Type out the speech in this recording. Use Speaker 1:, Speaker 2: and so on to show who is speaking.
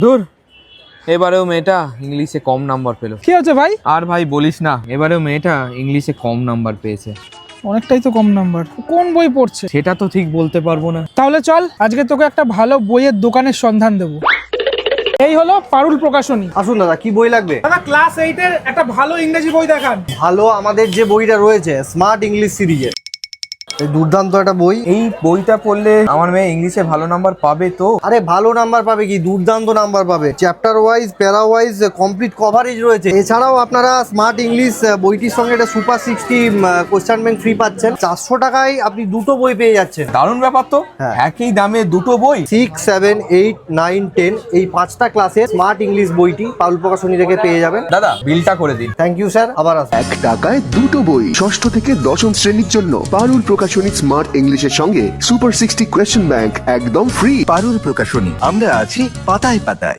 Speaker 1: ধুর, এবারেও মেয়েটা ইংলিশে কম নাম্বার পেলো।
Speaker 2: কি হচ্ছে ভাই?
Speaker 1: আর ভাই বলিস না, এবারেও মেয়েটা ইংলিশে কম নাম্বার পেয়েছে।
Speaker 2: অনেকটাই তো কম নাম্বার। কোন বই পড়ছে?
Speaker 1: সেটা তো ঠিক বলতে পারবো না।
Speaker 2: তাহলে চল আজকে তোকে একটা ভালো বইয়ের দোকানের সন্ধান দেবো। এই হলো পারুল প্রকাশনী।
Speaker 3: আসুন দাদা, কি বই লাগবে?
Speaker 2: দাদা ক্লাস 8 এর একটা ভালো ইংরেজি বই দেখান।
Speaker 3: ভালো, আমাদের যে বইটা রয়েছে স্মার্ট ইংলিশ সিরিজের, এই দুর্দান্ত একটা বই।
Speaker 1: এই বইটা পড়লে আমার মেয়ে ইংলিশে ভালো নাম্বার পাবে তো?
Speaker 3: আরে ভালো নাম্বার পাবে কি, দুর্দান্ত নাম্বার পাবে। Chapter wise, para wise complete coverage রয়েছে। এছাড়াও আপনারা স্মার্ট ইংলিশ বইটির সঙ্গে একটা সুপার 60 কোশ্চেন ব্যাংক ফ্রি পাচ্ছেন। 400 টাকায় আপনি দুটো বই পেয়ে যাচ্ছেন।
Speaker 1: দারুণ ব্যাপার তো।
Speaker 3: হ্যাঁ।
Speaker 1: একই দামে দুটো বই।
Speaker 3: 6, 7, 8, 9, 10 এই 5টা ক্লাসে স্মার্ট ইংলিশ বইটি পারুল প্রকাশনী থেকে পেয়ে যাবেন।
Speaker 1: দাদা বিলটা করে দিন।
Speaker 3: থ্যাংক ইউ স্যার, আবার আসুন।
Speaker 4: 1 টাকায় দুটো বই, ষষ্ঠ থেকে দশম শ্রেণীর জন্য পারুল প্রকাশনী স্মার্ট ইংলিশের সঙ্গে সুপার 60 কোয়েশ্চেন ব্যাংক একদম ফ্রি।
Speaker 5: পারুল প্রকাশনী, আমরা আছি পাতায় পাতায়।